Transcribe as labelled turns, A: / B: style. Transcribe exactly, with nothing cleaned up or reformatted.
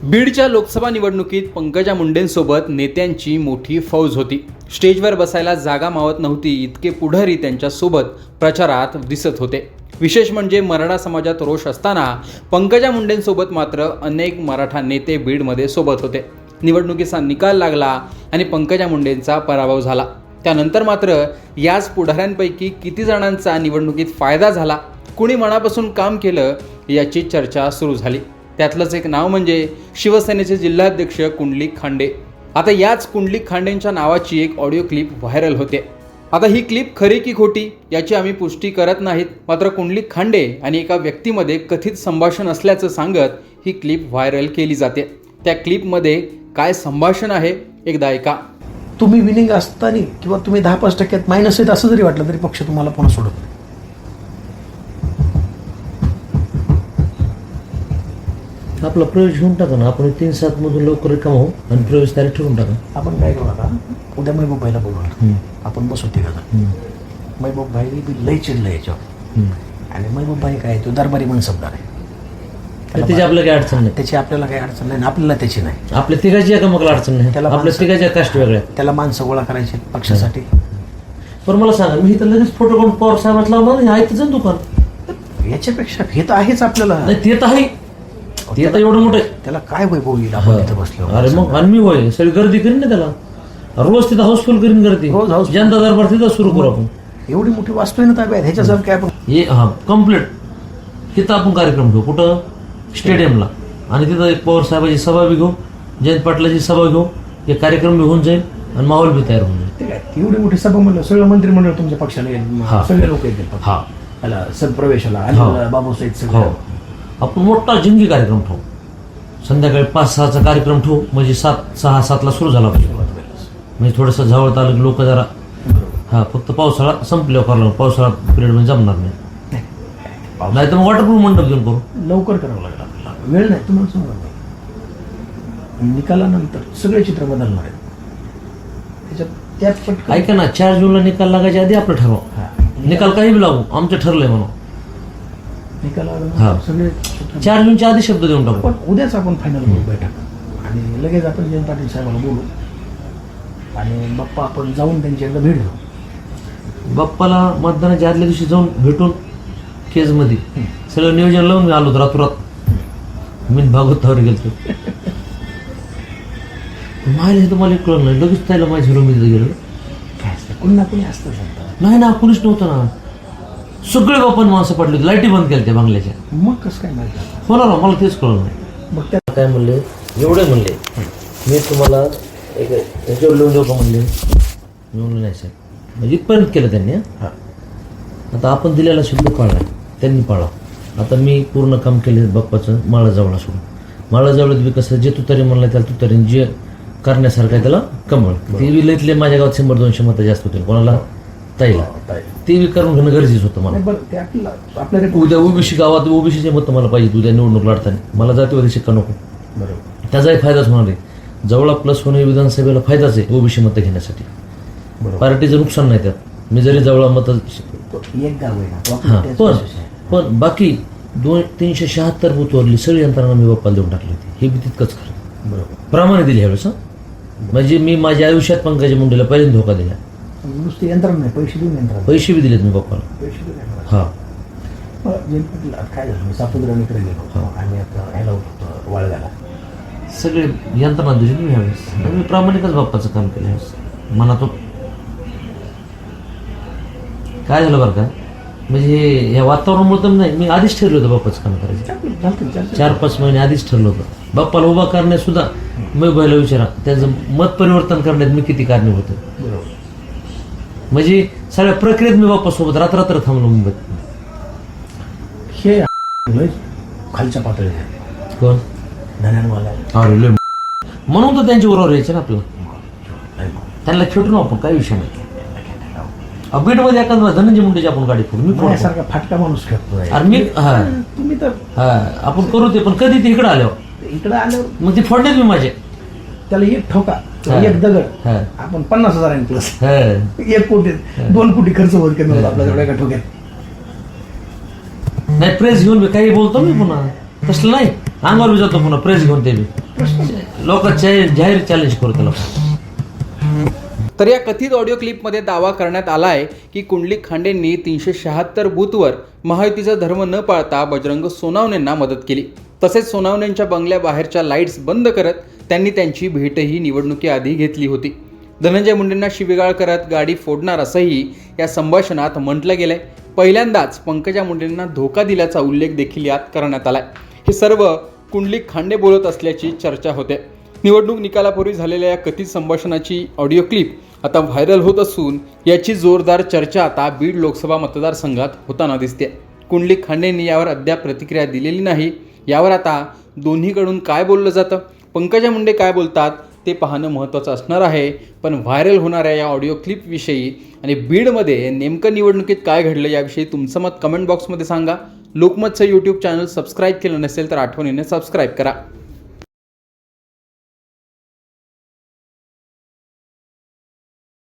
A: बीडच्या लोकसभा निवडणुकीत पंकजा मुंडेंसोबत नेत्यांची मोठी फौज होती. स्टेजवर बसायला जागा मावत नव्हती इतके पुढारी त्यांच्यासोबत प्रचारात दिसत होते. विशेष म्हणजे मराठा समाजात रोष असताना पंकजा मुंडेंसोबत मात्र अनेक मराठा नेते बीडमध्ये सोबत होते. निवडणुकीचा निकाल लागला आणि पंकजा मुंडेंचा पराभव झाला. त्यानंतर मात्र याच पुढाऱ्यांपैकी किती जणांचा निवडणुकीत फायदा झाला, कुणी मनापासून काम केलं याची चर्चा सुरू झाली. त्यातलंच एक नाव म्हणजे शिवसेनेचे जिल्हाध्यक्ष कुंडलिक खांडे. आता याच कुंडलिक खांडेंच्या नावाची एक ऑडिओ क्लिप व्हायरल होते. आता ही क्लिप खरी की खोटी याची आम्ही पुष्टी करत नाहीत, मात्र कुंडलिक खांडे आणि एका व्यक्तीमध्ये कथित संभाषण असल्याचं सांगत ही क्लिप व्हायरल केली जाते. त्या क्लिपमध्ये काय संभाषण आहे एकदा ऐका.
B: तुम्ही विनिंग असताना किंवा तुम्ही दहा पाच टक्क्यात मायनस आहेत असं जरी वाटलं तरी पक्ष तुम्हाला पुन्हा सोडत नाही.
C: आपला प्रवेश घेऊन टाका ना. आपण तीन सात मधून लवकर रिकाम होऊ आणि प्रवेश तारीख ठरवून टाका.
B: आपण काय करू आता, उद्या महबूब भाईला बोलवणार, आपण बसू तिघं. महबूब भाई बी लई चिडलं याच्यावर. आणि महबूब भाई काय तो दरबारी मनसबदार आहे,
C: त्याची आपल्याला काही अडचण नाही.
B: त्याची आपल्याला काही अडचण नाही, आपल्याला त्याची नाही.
C: आपल्या तिघाची एकामेकाला अडचण नाही.
B: त्याला
C: आपल्या
B: माणसं-
C: तिघाच्या कास्ट वेगळ्या.
B: त्याला माणसं गोळा करायचे पक्षासाठी.
C: पण मला सांगा, मी इथं लगेच फोटो काढून पवार साहेबात लावणार नाही. आहे तिचं दुकान.
B: याच्यापेक्षा हे तर आहेच आपल्याला.
C: नाही ते तर आहे, ते तर एवढं मोठं आहे.
B: त्याला काय वैभव येईल आपण इथं बसलो.
C: अरे मग आणि मी होय सगळी गर्दी करीन ना त्याला. रोज तिथं हाऊसफुल करीन गर्दी.
B: रोज houseful.
C: जनता दरबार तिथं सुरू करू आपण.
B: एवढी मोठी वास्तू आहे ना ताब्यात, ह्याच्यासारखं काय आपण.
C: हे हा कम्प्लीट तिथं आपण कार्यक्रम घेऊ. कुठं? स्टेडियमला. आणि तिथं एक पवार साहेबाची सभा बी घेऊ, जयंत पाटलाची सभा घेऊ. एक कार्यक्रम बी होऊन जाईल आणि माहोल बी तयार होऊन जाईल.
B: ते काय एवढी मोठी सभा म्हणलं सगळं मंत्रिमंडळ तुमच्या पक्षाला
C: हा.
B: येईल, सगळे लोक येतील.
C: हा
B: त्याला सदप्रवेशाला
C: हा.
B: आणि बाबूसाहेब
C: हो,
B: सगळं.
C: आपण मोठा जिंगी कार्यक्रम ठेवू. संध्याकाळी पाच सहाचा कार्यक्रम ठेवू, म्हणजे सात सहा सातला सुरू झाला पाहिजे. म्हणजे थोडंसं जवळ आलं की लोक जरा हा फक्त पावसाळा संपल्यावर करावं. पावसाळा पिरियड मध्ये जमणार नाही. नाही तर मग वॉटरप्रूफ मंडप घेऊन करू.
B: लवकर करावं लागलं आपल्याला, वेळ नाही तुम्हाला समजणार नाही. निकालानंतर सगळे चित्र बदलणार आहे त्याच्यात. त्यात पटकन
C: ऐका ना, चार जूनला निकाल लागायच्या आधी आपलं ठरवा.
B: हा.
C: निकाल काही बी लागू, आमचं ठरलंय म्हणून.
B: निकाल
C: हा.
B: आल्यानंतर सगळे चित्र-
C: चार जूनच्या आधी शब्द देऊन टाकू.
B: पण उद्याच आपण फायनल करू बैठक आणि लगेच आपण जयंत पाटील साहेबांना बोलू आणि बाप्पा आपण जाऊन त्यांची एकदा भेट घेऊ.
C: बाप्पाला मतदानाच्या आदल्या दिवशी जाऊन भेटून केजमध्ये सगळं नियोजन लावून मी आलो होतो रातोरात. मी भागवतावर गेलो. माहिती हे तुम्हाला कळलं नाही, लगेच त्याला माझ्या झिरोमध्ये गेलो.
B: काय असतं, कुणी ना कुणी असतं सांगतात.
C: नाही ना, कुणीच नव्हतं ना. सगळे बापान माणसं पडली होती. लाईटी बंद केल्या त्या बंगल्याच्या.
B: मग कसं काय माहिती आता?
C: होणार ना, मला तेच कळलं नाही.
B: मग त्या
C: काय म्हणले, एवढे म्हणले मी तुम्हाला एक याच्यावर लिहून देऊ का म्हणले. मी म्हणलं नाही साहेब. म्हणजे इथपर्यंत केलं त्यांनी.
B: हा.
C: आता आपण दिलेला शब्द पाळला, त्यांनी पाळा. आता मी पूर्ण काम केले बाप्पाचं माळाजवळ सोडून. माळाजवळात बी कसं जे तुतारी म्हणलं त्याला तुतारी, जे करण्यासारखं आहे त्याला कमळ. ते बी लईतले माझ्या गावात शंभर दोनशे मतं जास्त होतील. कोणाला? ताईला. ते बी करून घेणं गरजेचं होतं मला.
B: नाही, बरं ते आपल्याला आपल्याला
C: उद्या ओबीसी गावात ओबीसीचे मतं मला पाहिजे उद्या निवडणूक लढताना. मला जातीवादी शिक्का नको.
B: बरोबर
C: त्याचाही फायदाच होणार आहे. जवळ प्लस होणे विधानसभेला फायदाच आहे ओबीसी मतं घेण्यासाठी.
B: बरोबर.
C: पार्टीचं नुकसान नाही त्यात. मी जरी जवळ मतं
B: एक गाव आहे ना, तो
C: हां,
B: आपल्या त्याच
C: पण
B: विशेष आहे.
C: पण बाकी दोन तीनशे शहात्तर बूथवरली सगळी यंत्रणा मी बाप्पाला देऊन टाकली होती. हे बी तितकंच खरं.
B: बरोबर.
C: प्रमाणे दिली ह्यावेळेस. हं. म्हणजे मी माझ्या आयुष्यात पंकजा मुंडेला पहिल्यांदा धोका दिला.
B: नुसते यंत्रणा नाही, पैसे देऊन यंत्रणा.
C: पैसे बी दिलेत मी बाप्पाला.
B: पैसे देऊन यंत्रणा.
C: हा
B: मग जयंत पाटील आता काय झालं, मी सापुद्राकडे गेलो आणि आता ह्याला होतो वाळव्याला.
C: सगळे यंत्रणा दिली मी ह्यावेळेस. मी प्रामाणिकच बाप्पाचं काम केलं ह्यावेळेस. मनातून काय झालं बरं का, म्हणजे हे या वातावरणामुळे तर नाही, मी आधीच ठरलं होतं बाप्पाचं काम करायचं. चार पाच महिने आधीच ठरलं होतं. बाप्पाला उभा करण्यात सुद्धा मी बैला विचारा त्याचं मत परिवर्तन करण्यात मी किती कारणीभूत होतो.
B: बरोबर.
C: म्हणजे सगळ्या प्रक्रियेत मी बाप्पासोबत रात्र रात्र थांबलो मुंबईत.
B: हे लय खालच्या पातळी आहे.
C: कोण?
B: धन्यानवाला
C: अरे लय म्हणून तर त्यांच्या उरावर यायचं ना आपलं. त्यांना खेटून आपण काही विषय नाही. बीडमध्ये एखादा धनंजय मुंडेची आपण गाडी फोडू. मी फोडू.
B: सारखा फाटका माणूस खेळतोय.
C: अरे मी हा
B: तुम्ही तर
C: हा आपण करू ते, पण कधी ते इकडे आल्यावर
B: इकडे आल्यावर
C: मग ते फोडण्यात मी माझे.
B: त्याला एक ठोका,
C: हा.
B: एक दगड,
C: हा.
B: आपण पन्नास हजारांनी प्लस
C: हा.
B: एक कोटी दोन कोटी खर्च होत करणार आपल्या एका ठोक्यात.
C: नाही प्रेस घेऊन मी काही बोलतो मी पुन्हा. तसलं नाही, अंगावर बी जातो पुन्हा प्रेस घेऊन. ते बी लोक जाहीर चॅलेंज करू त्याला.
A: तर या कथित ऑडिओ क्लिपमध्ये दावा करण्यात आला आहे की कुंडलिक खांडेंनी तीनशे शहात्तर बूथवर महायुतीचा धर्म न पाळता बजरंग सोनावणेंना मदत केली. तसेच सोनावणेंच्या बंगल्याबाहेरच्या लाईट्स बंद करत त्यांनी त्यांची भेटही निवडणुकीआधी घेतली होती. धनंजय मुंडेंना शिवीगाळ करत गाडी फोडणार असंही या संभाषणात म्हटलं गेलंय. पहिल्यांदाच पंकजा मुंडेंना धोका दिल्याचा उल्लेख देखील यात करण्यात आलाय. हे सर्व कुंडलिक खांडे बोलत असल्याची चर्चा होते. निवडणूक निकालापूर्वी झालेल्या या कथित संभाषणाची ऑडिओ क्लिप आता व्हायरल होत असून याची जोरदार चर्चा आता बीड लोकसभा मतदारसंघात होताना दिसते. कुंडलिक खांडेंनी यावर अद्याप प्रतिक्रिया दिलेली नाही. यावर आता दोन्हीकडून काय बोललं जातं, पंकजा मुंडे काय बोलतात ते पाहणं महत्त्वाचं असणार आहे. पण व्हायरल होणाऱ्या या ऑडिओ क्लिपविषयी आणि बीडमध्ये नेमकं निवडणुकीत काय घडलं याविषयी तुमचं मत कमेंट बॉक्समध्ये सांगा. लोकमतचं यूट्यूब चॅनल सबस्क्राईब केलं नसेल तर आठवणीने सबस्क्राईब करा.